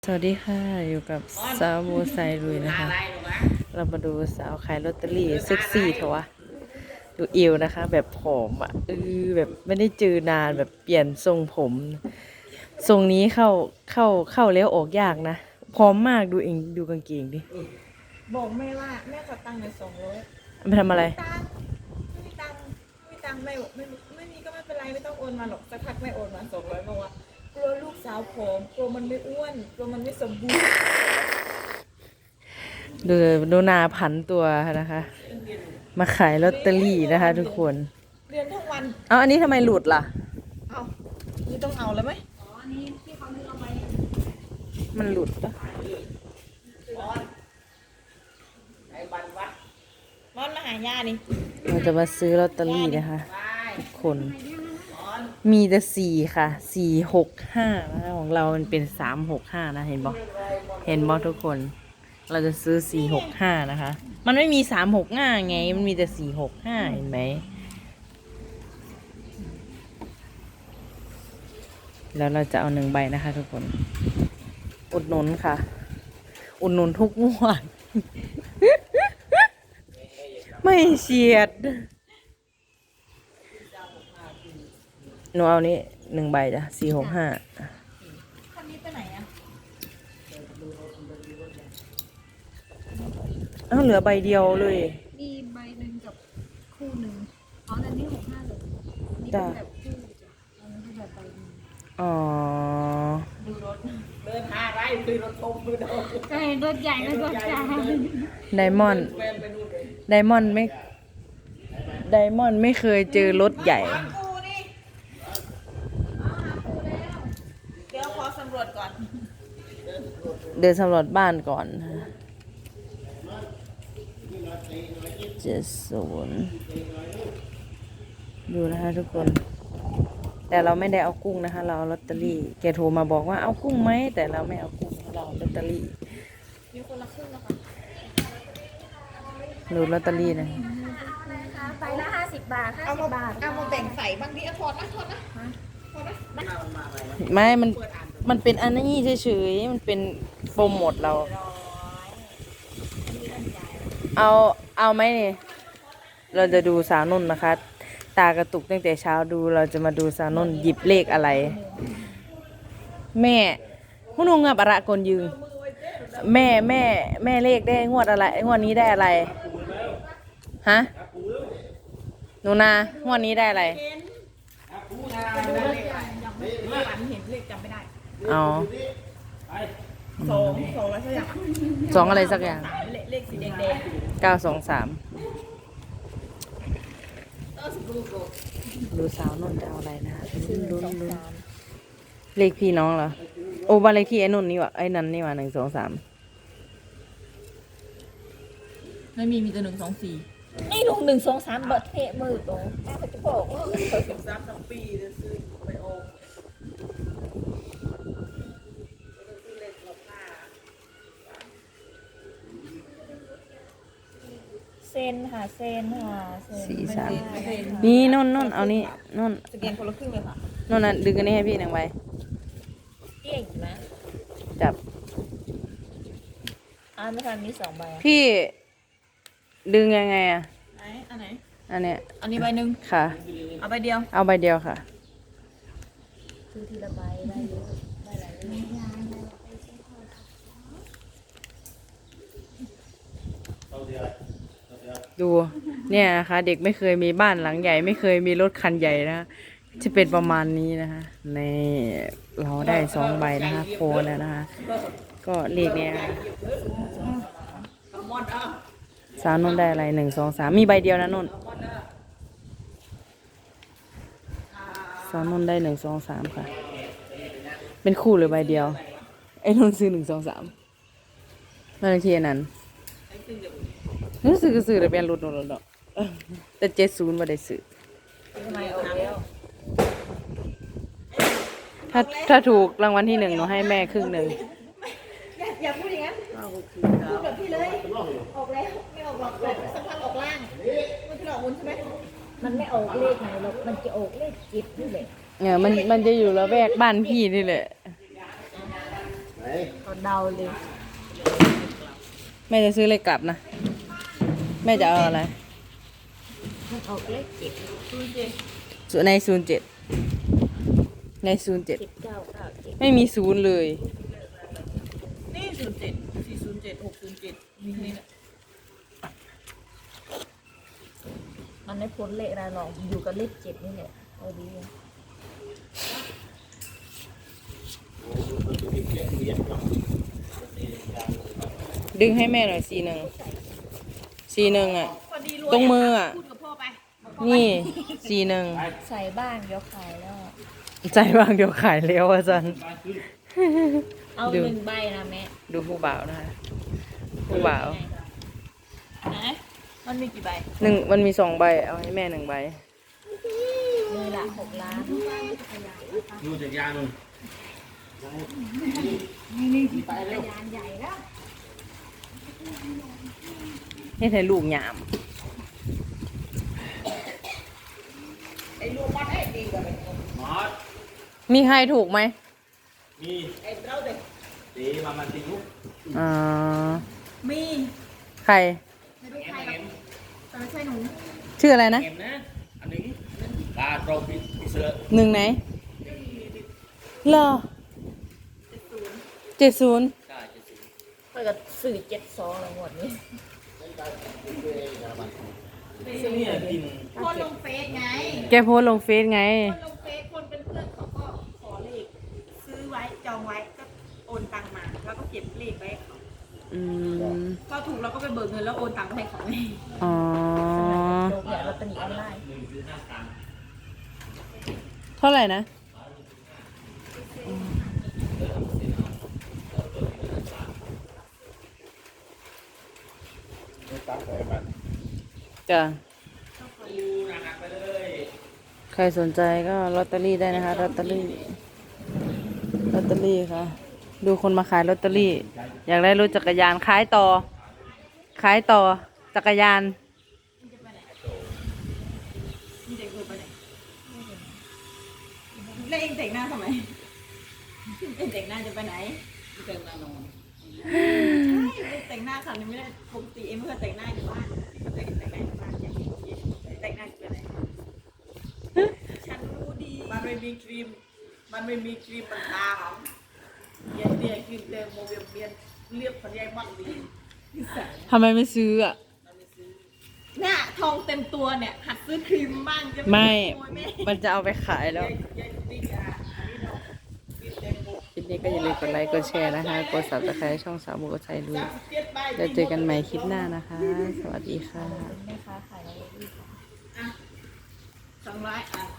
สวัสดีค่ะอยู่กับสาวโบไซลุยนะคะเรามาดูสาวขายลอตเตอรี่เซ็กซี่เถอะวะดูเอวนะคะแบบผอมอ่ะแบบไม่ได้เจอนานแบบเปลี่ยนทรงผมทรงนี้เข้าแล้วออกยากนะพร้อมมากดูเองดูกางเกงดิบอกแม่ว่าแม่ขอตังค์หน่อย200 ไปทำอะไรตังค์ไม่มีตังค์ไม่มีตังค์ไม่มีก็ไม่เป็นไรไม่ต้องโอนมาหรอกสักพักแม่โอนมา200บอกว่ากลัวลูกสาวผอมกลัวมันไม่อ้วนกลัวมันไม่สมบูรณ์ดูนาผันตัวนะคะมาขายลอตเตอรี่นะคะทุกคนเรียนทั้งวันเอาอันนี้ทำไมหลุดล่ะเอานี่ต้องเอาแล้วไหมมันหลุดปะร้อนมาหาย่านี่เราจะมาซื้อลอตเตอรี่นะคะทุกคนมีแต่4 ค่ะ465นะของเรามันเป็น365นะเห็นบอกทุกคนเราจะซื้อ465นะคะมันไม่มี365ไงมันมีแต่465เห็นไหมแล้วเราจะเอา1 ใบนะคะทุกคนอุดหนุนค่ะอุดหนุนทุกงวด ไม่เฉียดหนูเอานี้1 ใบจ้ะ465 คันนี้ไปไหนอะอ้าวเหลือใบเดียวเลยมีใบหนึ่งกับคู่หนึ่งอ๋ออันนี้65เลยอันนี้เป็นแบบคู่จ้ะอันนี้เป็นแบบใบหนึ่งอ๋อดูรถเดินหาไรคือรถทมคือรถใช่รถใหญ่และรถกลางไดมอนด์ไดมอนด์ไม่เคยเจอรถใหญ่ปูนี่เดี๋ยวขอสำรวจก่อนเดินสำรวจบ้านก่อน70ดูนะคะทุกคนแต่เราไม่ได้เอากุ้งนะคะ เราเอาลอตเตอรี่แกโทรมาบอกว่าเอากุ้งไหมแต่เราไม่เอากุ้งเราเอาลอตเตอรี่มีคนละครึ่งนะคะดูลอตเตอรี่นะใบละ50 บาท50 บาทเอามาแบ่งใส่บางทีถอดนะถอดนะไม่มันเป็นอันนี้เฉยๆมันเป็นโปรโมทเราเอาไหมเนี่ยเราจะดูสาวนุ่นนะคะ ตากระตุกตั้งแต่เช้าดูเราจะมาดูสาวนุ่นหยิบเลขอะไรแม่ผู้นุ่งงับอะไรกนยืงแม่เลขได้งวดอะไรงวดนี้ได้อะไรฮะหนูนางวดนี้ได้อะไรฝันเห็นเลขจำไม่ได้อ๋อ 2อะไรสักอย่าง 2อะไรสักอย่างเลขสีแดง 923ดูสาวนนท์จะเอาอะไรนะลุ้นเลขพี่น้องเหรอโอ้บ้านเลขที่ไอ้นนท์นี่วะไอ้นันนี่วะ123 ไม่มีแต่124นี่ลุง123เบิดเทมือตรงแม่จะบอกว่า13ทั้งปีจะซื้อไปโอเซนค่ะเซนนี่นนเอานี่นนสแกนคนละครึ่งเลยค่ะนนน่ะดึงอันนี้ให้พี่1 ใบเก่งนะจับไม่ทันมี2 ใบพี่ดึงยังไงอ่ะอันไหนอันเนี้ยอันนี้ใบหนึ่งค่ะเอาใบเดียวเอาใบเดียวค่ะซื้อทีละใบได้เยอะได้หลายเรื่องดูเนี่ยนะคะเด็กไม่เคยมีบ้านหลังใหญ่ไม่เคยมีรถคันใหญ่นะจะเป็นประมาณนี้นะคะในเราได้2 ใบนะคะโคแล้วนะคะก็เลขเนี้ยสาวนนได้อะไร1 2 3มีใบเดียวนะนนสาวนนได้1 2 3ค่ะเป็นคู่หรือใบเดียวไอ้นนซื้อ1 2 3นั่นคือนั้นรู้สึกซื้อแต่เป็นรถนนแต่70ไม่ได้ซื้อถ้าถูกรางวัลที่1หนูให้แม่ครึ่งหนึ่งอย่าพูดอย่างนั้นพูดแบบพี่เลยออกแล้วไม่ออกหรอกสักพักออกล่างมันคือออกบนใช่ไหมมันไม่ออกเลขไหนหรอกมันจะออกเลขจิตนี่แหละเนี่ยมันจะอยู่ละแวกบ้านพี่นี่แหละก็เดาเลยแม่จะซื้อเลขกลับนะ แม่จะเอาอะไรมันออกเลข7 ใน07ใน07 997 ไม่มีศูนย์เลยนี่07 407 607มีนี่แหละมันไม่พ้นเลขอะไรหรอกอยู่กับเลข7นี่แหละเอาดีอะดึงให้แม่หน่อย41อ่ะพอดีตรงมืออ่ะพูดกับพ่อไปนี่41 ใส่บ้านเดี๋ยวขายแล้วอะใจบางเดี๋ยวขายแล้วอาจารย์เอาดู 1 ใบนะแม่ดูผู้บ่าวนะคะผู้บ่าวไหนมันมีกี่ใบมันมี2 ใบ เอาให้แม่1 ใบนี่ละ6 ล้านดูจากยานุ่นยานใหญ่แล้วให้ถ่ายลูกหยามมอสมีใครถูกไหมมีตีมามันตีลูกอ่ามีใครไม่รู้ใครหรอกแต่ไม่ใช่หนูชื่ออะไรนะเอ็มนะอันนี้ตาโตรปิเสือ 1 ไหนเหรอ70 ใช่จะสิเปิดสื่อ72แล้วหมดนี้เนี่ยกินคนลงเฟซไงแกโพสต์ลงเฟซไงคนลงเฟซคนเป็นเพื่อนเขาก็ขอเลขซื้อไว้จองไว้ก็โอนตังมา แล้วก็เก็บเลขไว้ให้เขาอืมพอถูกเราก็ไปเบิกเงินแล้วโอนตังค์ไปให้เขาไงอ๋อโดนเนี่ยลอตเตอรี่ออนไลน์เท่าไหร่นะ จ้ะ ใครสนใจก็ลอตเตอรี่ได้นะคะลอตเตอรี่ค่ะ ดูคนมาขายลอตเตอรี่ อยากได้รถจักรยานขายต่อจักรยานมีเด็กดูไปไหนแล้วเองแต่งหน้าทำไมเองแต่งหน้าจะไปไหนแต่งหน้านอนใช่แต่งหน้าค่ะนี่ไม่ได้ปกติเองไม่เคยแต่งหน้าอยู่บ้านแต่งหน้าอยู่บ้านอย่างนี้แต่งหน้าจะไปไหนฉันรู้ดีมันไม่มีครีม มันไม่มีครีมมันตาหอมเย็นเดียครีมเต็มโมเวียนเบียนเรียบพันยายมักดีทำไมไม่ซื้ออ่ะเนี่ยทองเต็มตัวเนี่ยหัดซื้อครีมบ้างจะไม่ขโมยแม่มันจะเอาไปขายแล้วยายติ๊กอ่ะอันนี้เนาะครีมเต็มโมคลิปนี้ก็อย่าลืมกดไลค์ กดแชร์นะคะ กด subscribe ช่องสาวบัวชัยดูเจ็ดใบจะเจอกันใหม่คลิปหน้านะคะ สวัสดีค่ะแม่ค้าขายลอตเตอรี่ 200 อ่ะ